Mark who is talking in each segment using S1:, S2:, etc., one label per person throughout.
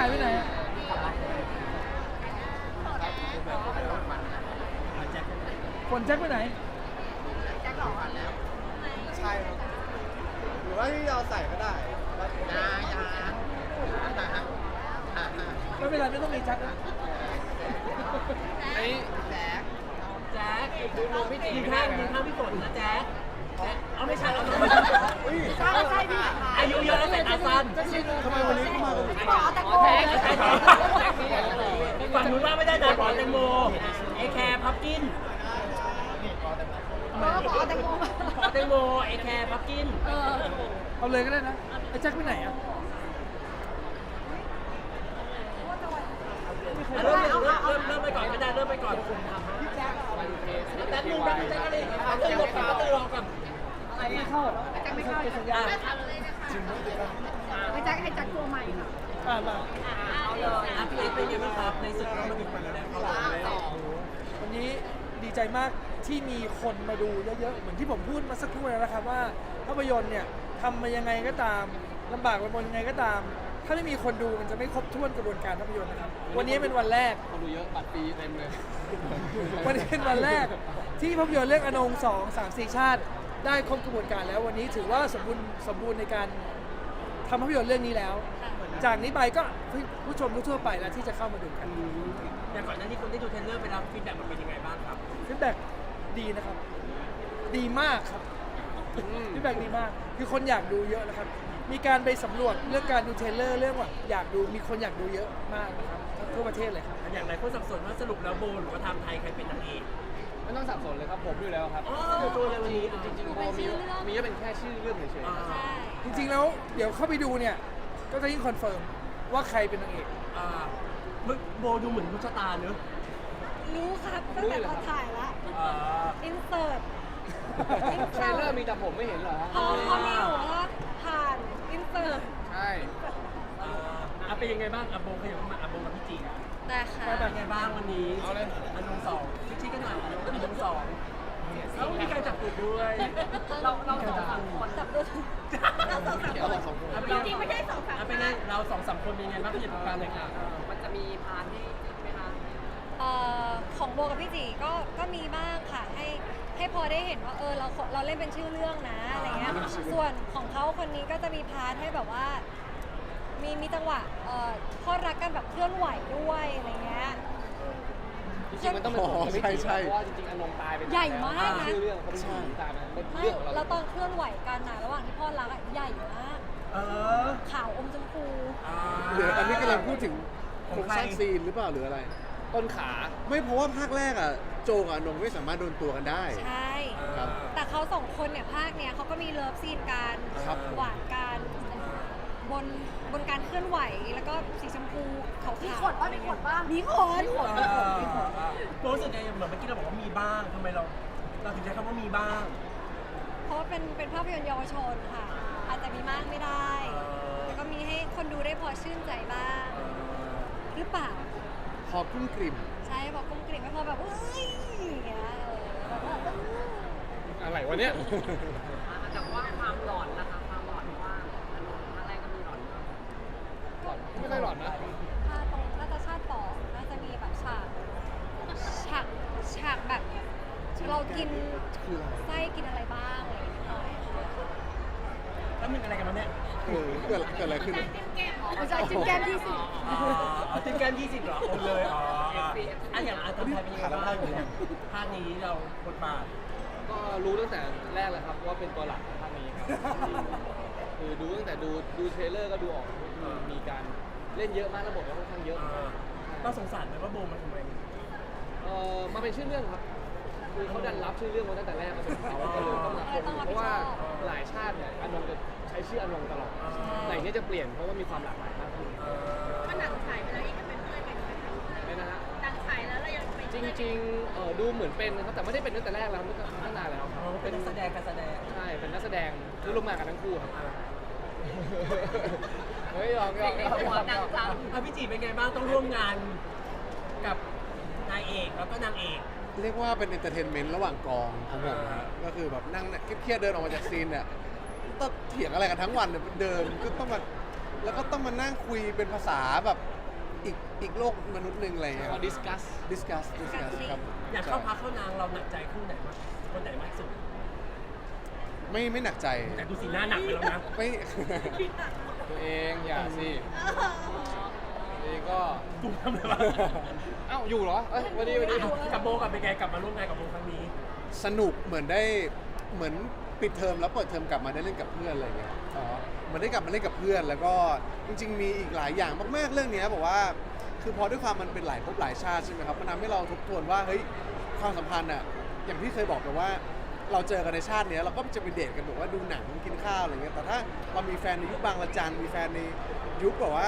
S1: ายไปไหนฝนแจ็คไปไหน
S2: ใช่ครับหรือว่าที่เราใส่ก็ได้
S1: ไม่เป็นไรไม่ต้องมีแจ็คนะ
S2: ไอ้แจ๊คดูนมพี่จีนข้างพี่ฝนนะแจ๊คเอาไม่ใช่เอาไม่ใช่อายุเยอะแล้วแต่ตาสั้น
S3: ทำไมวันนี้เข้ามาเป็น
S2: ฝั่งนู้นว่าไม่ได้นะขอแตงโมไอแคร์พับกินขอแตงโมไอแคร์พับกิน
S1: เอาเลยก็ได้นะไอ้แจ็คไปไหนอ่ะ
S2: เริ่มไปก่อนก็ได้เริ่มไปก่อนแป๊บนึงแจ๊คอะไรตื่นรถก่อนตื่นรอก่อน
S1: ไม่เข้าไม่เข้าเป็นสัญญา
S4: ให้แจ็คตัวใหม่ค่ะ
S1: มา
S2: พี่เล็กเป็นยังไงบ้างครับในศึกเรามาถึงวันแล้ว
S1: วันนี้ดีใจมากที่มีคนมาดูเยอะๆเหมือนที่ผมพูดมาสักครู่แล้วนะครับว่าภาพยนตร์เนี่ยทำมายังไงก็ตามลำบากลำบนยังไงก็ตามถ้าไม่มีคนดูมันจะไม่ครบถ้วนกระบวนการภาพยนตร์นะครับวันนี้เป็นวันแรก
S3: คนดูเยอะบัตรฟรีเต็มเลย
S1: วันนี้เป็นวันแรกที่ภาพยนตร์เรื่องอนง2 3 4 ชาติได้ครบกระบวนการแล้ววันนี้ถือว่าสมบูรณ์ในการทำภาพยนตร์เรื่องนี้แล้วจากนี้ไปก็ผู้ชมทั่วไปแล้วที่จะเข้ามาดูกัน
S2: อย่างก่อนหน้านี้คนได้ดูเทรลเลอร์ไปแล้วฟีดแบ็กมันเป็นยังไงบ้างครับ
S1: ฟีดแบ็กดีนะครับดีมากครับฟีดแบ็กดีมากคือคนอยากดูเยอะนะครับมีการไปสำรวจเรื่องการดูเทรลเลอร์เรื่องว่าอยากดูมีคนอยากดูเยอะมากนะครับทั่วประเทศเลยครับ
S2: อย่างไรคนสับสนว่าสรุปแล้วโบหรือว่าทำไทยใครเป็นนางเอก
S3: ไม่ต้องสับสนเลยครับผมอยู่แล้วครับ
S2: ตัวเลยวันนี้
S3: จริงๆโบมีก็เป็นแค่ชื่อเรื่องเฉย
S1: ๆจริงๆแล้วเดี๋ยวเข้าไปดูเนี่ยก็จะยิ่งคอนเฟิร์มว่าใครเป็นนางเอก
S2: โบดูเหมือนมุชตาเนอะ
S4: รู้ครับตั้งแต่ตอนถ่ายละอินเสิร์ต
S3: เทรลเลอร์มีแต่ผมไม่เห็นเหรอฮะ
S4: เขามีหัวว่าผ่านอินเสิร์ต
S3: ใช่
S2: เป็นยังไงบ้างโบขยับมาโบกับพี่จี
S4: ได้ค่ะ
S2: เป็นยังไงบ้างวันนี้อนง2ชี้กันหน่อยอนง2แล้วมีการจับตูดด้วยเรา2-3 คน
S4: จับด้วยเรา2-3 คนจริงๆไม่ใช่2-3
S2: เป็นไงเรา2-3 คนเป็นยังไงบ้างพี่จัดการเลยค่ะมันจะมีพาร์ทให้ไหมคะ
S4: ของโบกับพี่จีก็มีบ้างค่ะให้พอได้เห็นว่าเราเล่นเป็นชื่อเรื่องนะอะไรเงี้ยส่วนของเขาคนนี้ก็จะมีพาร์ทให้แบบว่ามีจังหวะพอรักกันแบบเคลื่อนไหวด้วยอะไรเงี้ย
S3: จริงๆมันต้องเป็นของใช่เพราะว่าจริงๆอนงตายเป็น
S4: ใหญ่มากนะ
S3: ชื่อเรื่องเขาเป็นผีตายมันเป็นเรื่องของเรา
S4: แล้วตอนเคลื่อนไหวกันนะระหว่างที่พ่อรักใหญ่มากขาวอมชมพู
S3: เดี๋ยวอันนี้กำลังพูดถึงโครงสร้างซีนหรือเปล่าหรืออะไรต้นขาไม่เพราะว่าภาคแรกอ่ะโจกับอนงไม่สามารถโดนตัวกันได้
S4: ใช่แต่เขา2 คนเนี่ยภาคเนี้ยเขาก็มีเลิฟซีนกันหวานกันบนการเคลื่อนไหวแล้วก็สีชมพูขาวๆมีขนบ้าง
S2: รู้สึกไงเหมือนเมื่อกี้เราบอกว่ามีบ้างทำไมเราถึงใช้คำว่ามีบ้าง
S4: เพราะเป็นภาพยนตร์เยาวชนค่ะอาจจะมีมากไม่ได้แต่ก็มีให้คนดูได้พอชื่นใจบ้างหรือเปล่า
S3: พอกุ้งกลิ่ม
S4: ใช่พอกุ้งกลิ่มไม่พอแบบเฮ้ยอย่างเงี้ย
S3: อะไรวะเนี่ย
S2: แต่ว่าความหลอนนะคะความหลอนว่าอะไรก็มีหลอน
S3: ไม่ค่อยหลอนนะ
S4: ถ้าตรงน่าจะชาติต่อน่าจะมีแบบฉากแบบเรากินไส้กินอะไรบ้างอะไรอย่างเงี้ยหน่อย
S2: แล้วมึงอะไรกันมาเนี่ย
S3: เกิดอะไรขึ้น
S4: ไม่ใช่จิ้มแก้ม20
S2: จิ้มแก้ม20เหรอเลยอย่างทำไทยเป็นยังไงบ้างภาคนี้เราบทบาท
S3: ก็รู้ตั้งแต่แรกเลยครับว่าเป็นตัวหลักของภาคนี้คือดูตั้งแต่ดูเทรลเลอร์ก็ดูออกมีการเล่นเยอะมากระบบก็ค่อนข้างเยอะ
S2: ก็สงสารไหมว่าโบมาทำไม
S3: มาเป็นชื่อเรื่องครับคือเขาดันรับชื่อเรื่องมาตั้งแต่แรกมาเป็นเขาก็เลยต้องรับเพราะว่าหลายชาติเนี่ยอนงจะใช้ชื่ออนงตลอดแต่นี้จะเปลี่ยนเพราะว่ามีความหลากหลายมากขึ้น
S4: ก็หนังฉายไปแล้วยังเป็นเพื่อนกันอยู่ไหม
S3: ไม่นะฮะ
S4: หนังฉายแล้วเรายังเป็น
S3: จริงๆดูเหมือนเป็นนะครับแต่ไม่ได้เป็นตั้งแต่แรกแล้วตั้งนานแล้ว
S2: เป็นนักแสดง
S3: ใช่เป็นนักแสดงที่ร่วมงานกันทั้งคู่ครับเฮ้ยลอง
S2: พี่จีเป็นไงบ้างต้องร่วมงานกับนายเอกแล้วก็นางเอก
S3: เรียกว่าเป็นเอนเตอร์เทนเมนต์ระหว่างกองของผมนะก็คือแบบนั่งเครียดเดินออกมาจากซีนเนี่ยต้องเถียงอะไรกันทั้งวันเดินก็ต้องมาแล้วก็ต้องมานั่งคุยเป็นภาษาแบบ
S5: อีกโลกมนุษย์หนึ่งอะไรเงี้ย
S3: ก็ดิสคัส
S5: discuss ครับ
S2: อยากเข้าพักเข้านางเราหนักใจคู่ไหนมากคนไหนมากที่สุด
S5: ไม่หนักใจ
S2: แต่ดูสีหน้าหนักไปแล้วนะ
S5: ไม่
S3: ตัวเองอย่าสิตัวเองก็
S2: ตุ้มทำไมวะ
S3: เอ้าอยู่เหรอเอ้ยวันนี้
S2: กับโบกับเป็นไงกลับมาร่วมงานกับโบครั้งนี้
S5: สนุกเหมือนปิดเทอมแล้วเปิดเทอมกลับมาได้เล่นกับเพื่อนอะไรเงี้ยเหมือนได้กลับมาเล่นกับเพื่อน แล้วก็จริงๆมีอีกหลายอย่างมากๆเรื่องเนี้ยบอกว่าคือพอด้วยความมันเป็นหลายภพหลายชาติใช่ไหมครับมันทำให้เราทบทวนว่าเฮ้ยความสัมพันธ์อะอย่างที่เคยบอกไปว่า เราเจอกันในชาติเนี้ยเราก็จะไปเดทกันบอกว่าดูหนังกินข้าวอะไรเงี้ยแต่ถ้าเรามีแฟนในยุคบางระจันมีแฟนในยุคแบบว่า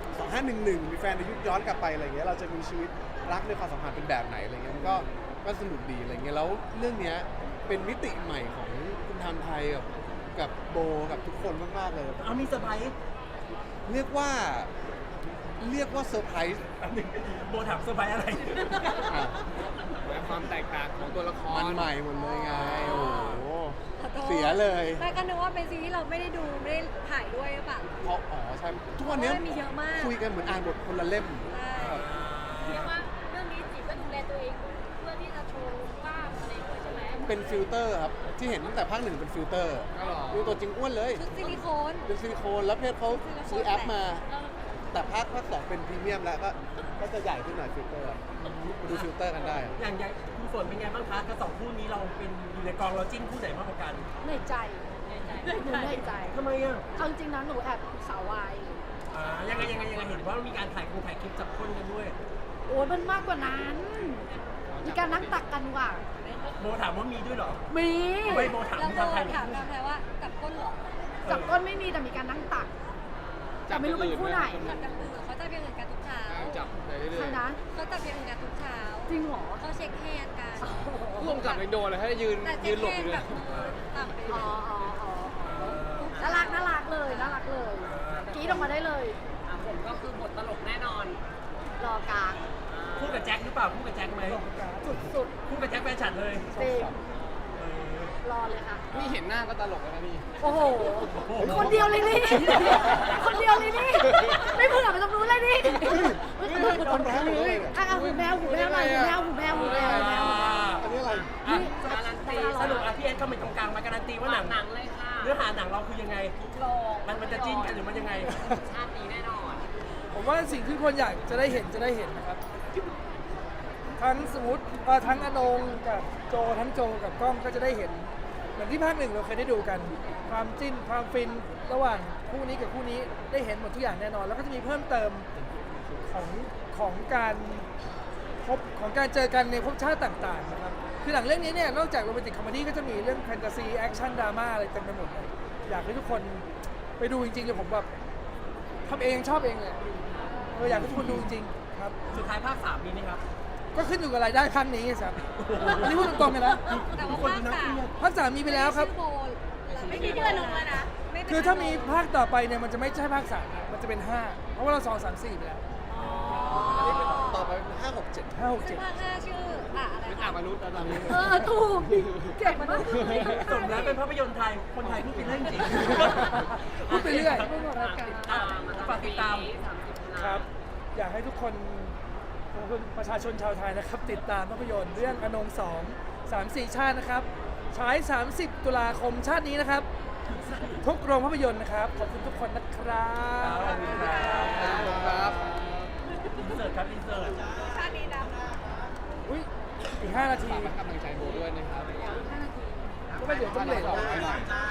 S5: 2511มีแฟนในยุคย้อนกลับไปอะไรเงี้ยเราจะมีชีวิตรักในความสัมพันธ์เป็นแบบไหนอะไรเงี้ยมันก็สนุกดีอะไรเงี้ยแล้วเรื่องเนี้ยเป็นมิติใหม่ของคุณทำไทยกับโบกับทุกคนมากๆเลย
S2: เอามีเซอร์ไพรส์
S5: เรียกว่าเซอร์ไพรส์
S2: อันหนึ่งโบถามเซอร์ไพรส์อะไร
S5: อ่ะ
S3: ความแตกต่างของตัวละคร
S5: มันใหม่หมดเลยไงโอ้โห
S4: ขอโทษ
S5: เสียเลย
S4: แต่ก็นึกว่าเป็นซีรีส์เราไม่ได้ดูไม่ได้ถ่ายด้วยหรือเปล่า
S5: เพราะใช่ทุกวันเนี้ย
S4: เพราะว่ามีเยอะมาก
S5: คุยกันเหมือนอ่านบทคนละเล่ม
S4: ใช่
S6: เรียกว่าเรื่องนี้จีก็ดูแลตัวเองเพื่อที่จะโชว์กล้ามอะไรด้วยใช่ไหม
S5: เป็นฟิลเตอร์ครับ ที่เห็นตั้งแต่ภาค 1เป็นฟิลเตอร์
S3: ก็หรอ
S5: ดูตัวจริงอ้วนเลย
S4: ชุดซิลิโคน
S5: เป็นซิลิโคนแล้วเพชรเขาซื้อแอปมา
S6: เออ
S5: แต่ภาค 2เป็นพรีเมียมแล้วก็จะใหญ่ขึ้นหน่อยฟิลเตอร์มาดูฟิลเตอร์กันได้
S2: อย่างคุณฝนเป็นไงบ้างคะกับสองคู่นี้เราเป็นอยู่ในกองเราจิ้นคู่ไหนมากกว่ากัน
S6: เหนื่อยใจหนูเหนื่อยใจ
S2: ทำไมอ่ะ
S6: เอาจริงๆนะหนูแอบสาววาย
S2: ยังไงเห็นว่ามีการถ่ายคลิปจับคนกันด้วย
S6: โอ้ยมันมากกว่านั้น มีการนั่งตักกันว่ะ
S2: โบถามว่ามีด้วยเหรอ
S6: มี
S2: ไม่โบถาม
S4: แล้ว
S2: ที่
S4: โบ
S2: ทำไทย
S4: ถามทำไทยว่ากับก้นเหรอ
S6: จับก้นไม่มีแต่มีการนั่งตักแต่ไม่รู้เป็นคู่ไหน
S4: กับกันอื่นเขาจะเพียงอื่นกันทุกเช้า
S3: จับไปเรื่
S6: ใคร
S3: อย
S6: นะ
S4: เขาจะเพียงอื่นกันทุกเช้า
S6: จริงเหรอ
S4: เขาเช็คแฮนด์กัน
S3: ๆร่วมกับยังโดนเลยให้ยืน
S4: แต่
S3: ยื
S4: เช็
S3: น
S4: ค
S3: หลบ
S4: แฮ
S3: อน ยู่
S4: ด์
S3: เล
S4: แบ
S3: ย
S4: บมือต่ำไปเล
S6: อ๋อย น่ารักเลยน่ารักเลยกรี๊ดออกมาได้เลย
S7: ผมก็คือบทตลกแน่นอน
S6: รอกลาง
S2: คู่กับแจ็คหรือเปล่าคู่กับแจ็คไหม
S6: สุด
S2: คู่กับแจ็คแฟนฉันเลย
S6: ๆจริงรอเลยค่ะ
S3: นี่เห็นหน้าก็ตลกแล้วนะนี่
S6: โอ้โห คนเดียวเลยนี่ คนเดียวเลยนี่ ไม่เผื่อไปตรงนู้นเลยนี่
S5: คนร้ายหมดเลย
S6: อ่ะหูแมวหูแมวหน่อยหูแมวหูแมวหูแมวหูแมว
S5: อันนี้อะไร
S2: อ่ะ
S7: การันตี
S2: สรุปพี่เอ็นเข้ามาตรงกลางมาการันตีว่าหนัง
S7: หนังเลยค่ะ
S2: เนื้อหาหนังเราคือยังไง
S7: โลก
S2: มันจะจิ้นกันหรือมันยังไง
S7: ชาตินี้แน่นอน
S1: ผมว่าสิ่งที่คนอยากจะได้เห็นนะครับ ทั้งสมมติทั้งอนงกับโจทั้งโจกับกล้องก็จะได้เห็นเหมือนที่ภาค 1เราเคยได้ดูกัน ความจิ้นความฟินระหว่างคู่นี้กับคู่นี้ได้เห็นหมดทุกอย่างแน่นอน แล้วก็จะมีเพิ่มเติมของการพบของการเจอกันในภพชาติต่างๆนะครับคือหนังเรื่องนี้เนี่ยนอกจากโรแมนติกคอมเมดี้ก็จะมีเรื่องแฟนตาซีแอคชั่นดราม่าอะไรเต็มไปหมดเลยอยากให้ทุกคนไปดูจริงๆเลยผมแบบทำเองชอบเองเลยอยากให้ทุกคนดูจริงๆครับ
S2: สุดท้ายภาค 3 มีไหมครับ
S1: ก็ขึ้นอยู่กับรายได้ครั้งนี้ครับอันนี้พูดตรงๆกันนะ
S4: แต่ว่าภาคสาม
S1: ภาค 3มีไปแล้วครับ
S4: ไม่มีเดือนลงแล้วนะ
S1: คือถ้ามีภาคต่อไปเนี่ยมันจะไม่ใช่ภาค 3มันจะเป็น 5 เพราะว่าเรา2 3 4ไปแล้ว
S5: อันนี้เป็นต่อไป5 6 7
S1: 5 6
S4: ซึ่ง
S1: 7
S4: ภาค5ชื่ออะไร
S3: เป็น
S4: คะ
S3: อ่ามนุษย์แล้วตอนนี้
S6: ถูกเก่งมาก
S2: สมแล้วเป็นภาพยนตร์ไทย คนไทยพูดเป็นเรื่องจริง
S1: พูดไปเรื่อย
S2: อ่ะฝากติดตาม
S1: ครับ อยากให้ทุกคนประชาชนชาวไทยนะครับ ติดตามภาพยนตร์เรื่องอนง2 3 4 ชาตินะครับฉาย 30 ตุลาคมชาตินี้นะครับ ทุกโรงภาพยนตร์นะครับ ขอบคุณทุกคนนะครับ
S2: ขอบคุณครับ
S3: ครับ
S2: อินเสิร์ตครับอินเสิร์ต
S4: ชาตินี้นะ
S1: อุ้ยอีก 5 นาที
S3: ฝากกำลังใจโบด้วยนะครับ
S1: ก็ไม่เดี๋ยวต้องเลท
S3: ฝาก